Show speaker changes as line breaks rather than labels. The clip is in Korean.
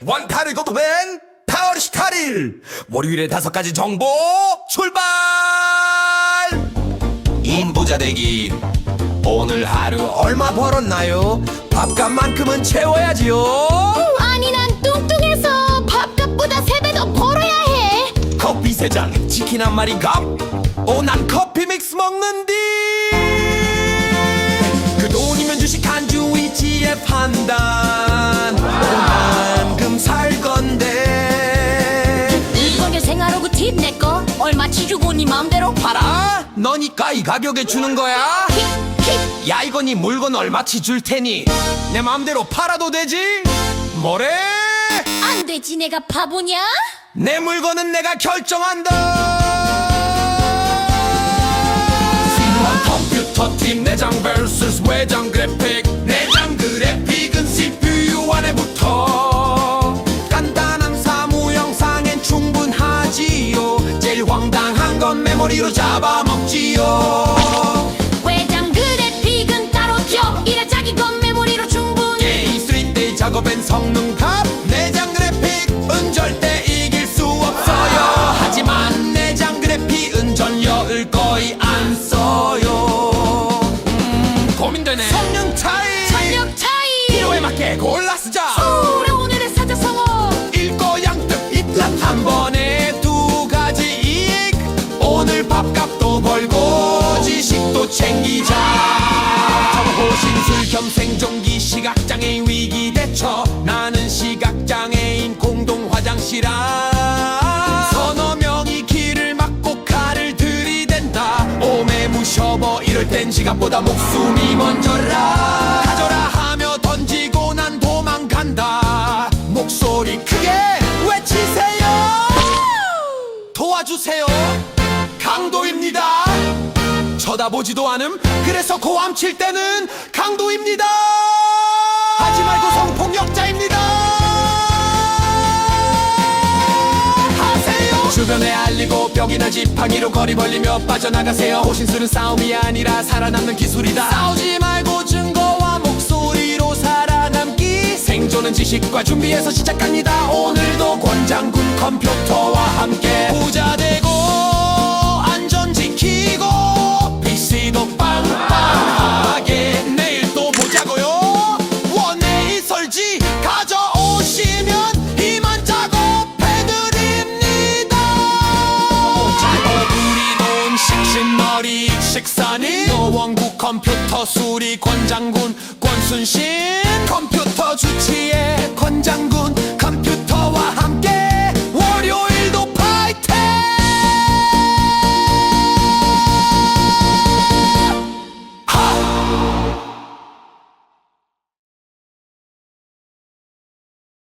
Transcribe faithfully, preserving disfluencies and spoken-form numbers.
원타를 고토맨 파월 십팔 일 월요일에 다섯 가지 정보 출발! 인부자 되기 오늘 하루 얼마 벌었나요? 밥값만큼은 채워야지요.
아니 난 뚱뚱해서 밥값보다 세 배 더 벌어야 해.
커피 세 잔, 치킨 한 마리 값. 오, 난 커피 믹스 먹는디. 그 돈이면 주식 한 주 위치의 판단. 오만큼 살 건데.
이거게 생활호구 팁 내꺼 얼마치 주고 네 맘대로
팔아? 너니까 이 가격에 주는 거야?
킥킥.
야, 이거 네 물건 얼마치 줄 테니 내 맘대로 팔아도 되지? 뭐래?
안 되지 내가 바보냐?
내 물건은 내가 결정한다. 컴퓨터 팀 내장 vs 외장 그래픽. 내장 그래픽은 씨피유 안에 붙어 간단한 사무 영상엔 충분하지요. 제일 황당한 건 메모리로 잡아먹지요.
외장 그래픽은 따로 줘. 이래 자기 건 메모리로 충분해.
게임 쓰리 디 작업엔 성능값. 내장 그래픽은 절대 이길 수 없어요. 하지만 내장 그래픽은 전력을 거의 안 써요. 음, 고민되네. 성능 차이,
전력 차이.
필요에 맞게 골라 쓰자.
서울의 오늘의 사자성어.
읽고 양득 입ላት 한 번에 두 가지 이익. 오늘 밥값도 벌고 지식도 챙기자. 호신술 겸 생존기 시각장애인 위기 대처. 나는 시각장애인 공동 화장실 안. 서너 명이 길을 막고 칼을 들이댄다. 오매 무셔버 이럴 땐 지갑보다 목숨이 먼저라. 가져라 하며 던지고 난 도망간다. 목소리 크게 외치세요. 도와주세요. 강도입니다. 쳐다보지도 않음. 그래서 고함 칠 때는 강도입니다. 하지 말고 성폭력자입니다. 하세요. 주변에 알리고 벽이나 지팡이로 거리 벌리며 빠져나가세요. 호신술은 싸움이 아니라 살아남는 기술이다. 싸우지 말고 증거와 목소리로 살아남기. 생존은 지식과 준비해서 시작합니다. 오늘도 권장군 컴퓨터와 함께 부자 되고 안전 지키고 피씨도 빵빵하게. 내일 또 보자고요. 원에이 설지 가져오시면 이만 작업해드립니다. 우리 돈 식신머리 식사니 노원구 컴퓨터 수리 권장군 권순신 컴퓨터